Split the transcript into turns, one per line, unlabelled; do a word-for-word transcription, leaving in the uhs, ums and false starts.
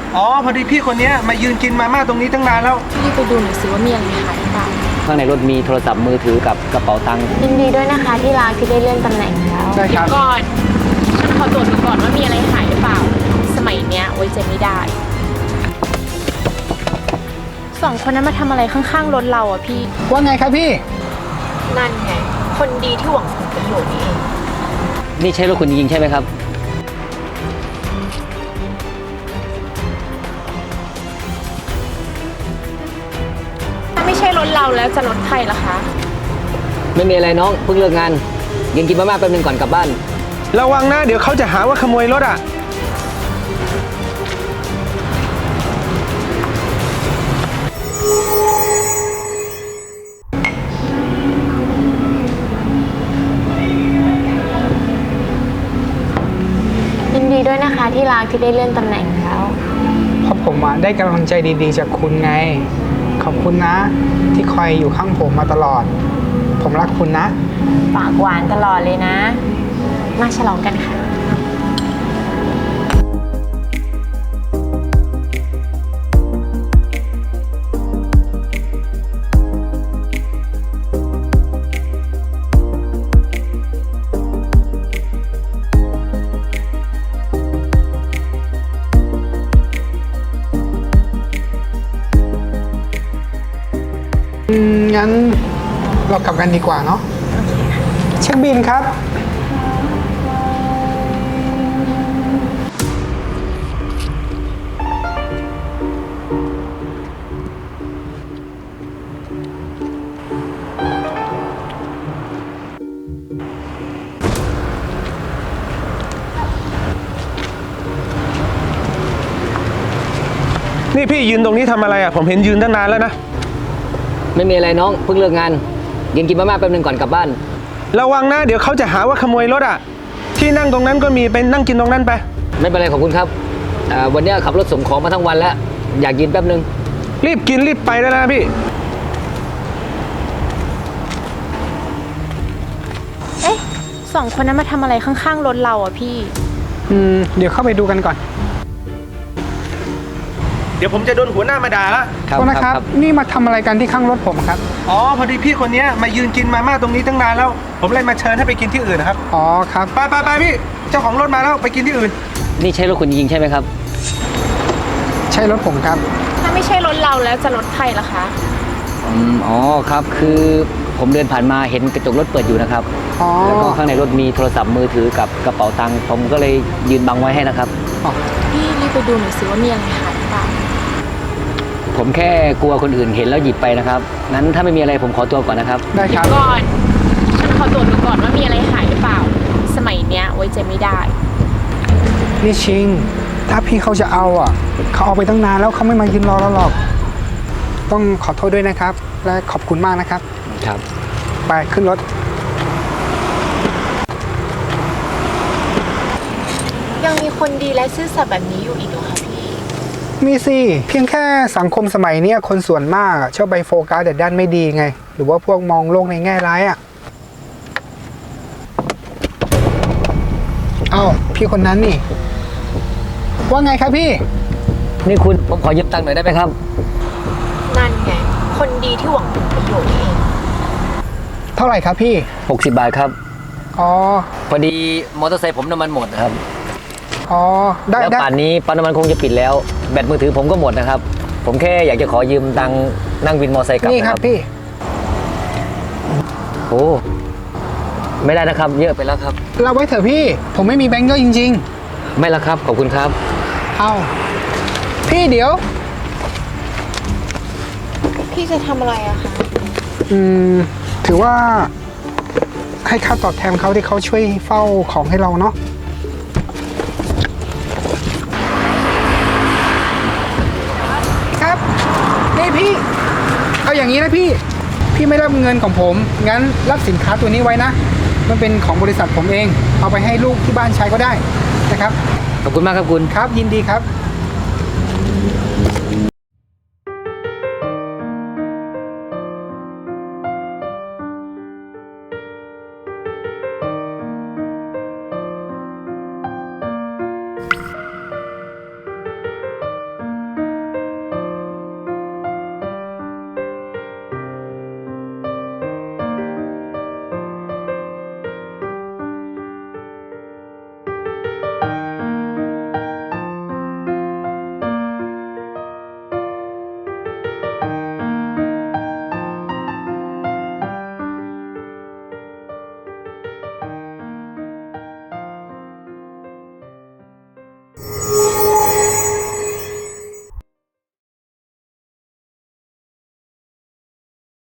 อ๋อพอดีพี่คนนี้มายืนกินมาม่าตรงนี้ตั้งนานแล้ว
รีบไปดูหน่อยสิว่ามีอะไรหายหรือเปล่า
ข้างในรถมีโทรศัพท์มือถือกับกระเป๋าตังค์
ยินดีด้วยนะคะที่ร้านที่ได้เลื่อนตำแหน่งแล้ว
ใช่ครับ
ก่อนฉันขอตรวจดูก่อนว่ามีอะไรหายหรือเปล่าสมัยเนี้ยไว้ใจไม่ได้สองคนนั้นมาทำอะไรข้างๆรถเราอ่ะพี่
ว่าไงครับพี่
นั่นไงคนดีที่หวังผลประโยชน์นี่เอง
นี่ใช่รถคุณจริงๆใช่ไหมครับ
ถ้าไม่ใช่รถเราแล้วจะรถใครล่ะคะ
ไม่มีอะไรน้องเพิ่งเลิกงานยังกินมาม่าแป๊บนึงก่อนกลับบ้าน
ระวังนะเดี๋ยวเขาจะหาว่าขโมยรถอ่ะ
ยินดีด้วยนะคะที่ร้านที่ได้เลื่อนตำแหน่งแล้ว
เพราะผมได้กำลังใจดีๆจากคุณไงขอบคุณนะที่คอยอยู่ข้างผมมาตลอดผมรักคุณนะ
ปากหวานตลอดเลยนะมาฉลองกันค่ะ
งั้นเรากลับกันดีกว่าเนาะเช็คบิลครับ
นี่พี่ยืนตรงนี้ทำอะไรอ่ะผมเห็นยืนตั้งนานแล้วนะ
ไม่มีอะไรน้องเพิ่งเลิกงานยังกินมาม่าแป๊บนึงก่อนกลับบ้าน
ระวังนะเดี๋ยวเขาจะหาว่าขโมยรถอ่ะที่นั่งตรงนั้นก็มีไปนั่งกินตรงนั้นไป
ไม่เป็นไรขอบคุณครับวันนี้ขับรถส่งของมาทั้งวันแล้วอยากกินแป๊บนึง
รีบกินรีบไปได้แล้วนะพี่
เอ๊ะสองคนนั้นมาทำอะไรข้างๆรถเราอ่ะพี่
อืมเดี๋ยวเข้าไปดูกันก่อน
เดี๋ยวผมจะโดนหัวหน้ามาด่าละ
ครับนะครับนี่มาทำอะไรกันที่ข้างรถผมครับ
อ๋อพอดีพี่คนนี้มายืนกินมาม่าตรงนี้ตั้งนานแล้วผมเลยมาเชิญให้ไปกินที่อื่นนะครับ
อ๋อครับ
ไปไปไปพี่เจ้าของรถมาแล้วไปกินที่อื่น
นี่ใช่รถคุณจริงๆใช่ไหมครับ
ใช่รถผมครับ
ถ้าไม่ใช่รถเราแล้วจะรถใครล่ะคะ
อืมอ๋อครับคือผมเดินผ่านมาเห็นกระจกรถเปิดอยู่นะครับแล้วก็ข้างในรถมีโทรศัพท์มือถือกับกระเป๋าตังค์ผมก็เลยยืนบังไว้ให้นะครับ
พี่รีบไปดูหน่อยสิว่ามีอะไรหายหรือเปล่า
ผมแค่กลัวคนอื่นเห็นแล้วหยิบไปนะครับงั้นถ้าไม่มีอะไรผมขอตัวก่อนนะครับ
ได้ครับ
ก่อนฉันขอตรวจดูก่อนว่ามีอะไรหายหรือเปล่าสมัยเนี้ยไว้ใจไม่ได้
นี่ชิงถ้าพี่เขาจะเอาอ่ะเขาเอาไปตั้งนานแล้วเขาไม่มายืนรอเราหรอกต้องขอโทษด้วยนะครับและขอบคุณมากนะครับ
ครับ
ไปขึ้นรถ
ยังมีคนดีและซื่อสัตย์แบบนี้อยู่อีกเหรอคะพี่
มีสิเพียงแค่สังคมสมัยนี้คนส่วนมากชอบไปโฟกัสแต่ด้านไม่ดีไงหรือว่าพวกมองโลกในแง่ร้ายอ่ะเอ้าพี่คนนั้นนี่ว่าไงครับพี่
นี่คุณผมขอยืมตังค์หน่อยได้ไหมครับ
นั่นไงคนดีที่หวังผลประโยชน์นี่เอง
เท่าไหร่ครับพี่
หกสิบบาทครับ
อ๋อ
พอดีมอเตอร์ไซค์ผมน้ำมันหมดนะครับ
อ๋อได้
แล้วป่านนี้ปั๊มน้ำมันคงจะปิดแล้วแบตมือถือผมก็หมดนะครับผมแค่อยากจะขอยืมตังค์นั่งวินมอเตอร์ไซค์กลับ
นี่ครับพี่
โอ้ไม่ได้นะครับเยอะไปแล้วครับ
เราไว้เถอะพี่ผมไม่มีแบงค์เยอะจริง
ๆไม่ละครับขอบคุณครับ
เอาพี่เดี๋ยว
พี่จะทำอะไรอะคะ
อืมถือว่าให้ค่าตอบแทนเขาที่เขาช่วยเฝ้าของให้เราเนาะครับนี่พี่เอาอย่างนี้นะพี่พี่ไม่รับเงินของผมงั้นรับสินค้าตัวนี้ไว้นะมันเป็นของบริษัทผมเองเอาไปให้ลูกที่บ้านใช้ก็ได้นะครับ
ขอบคุณมากครับคุณ
ครับยินดีครับ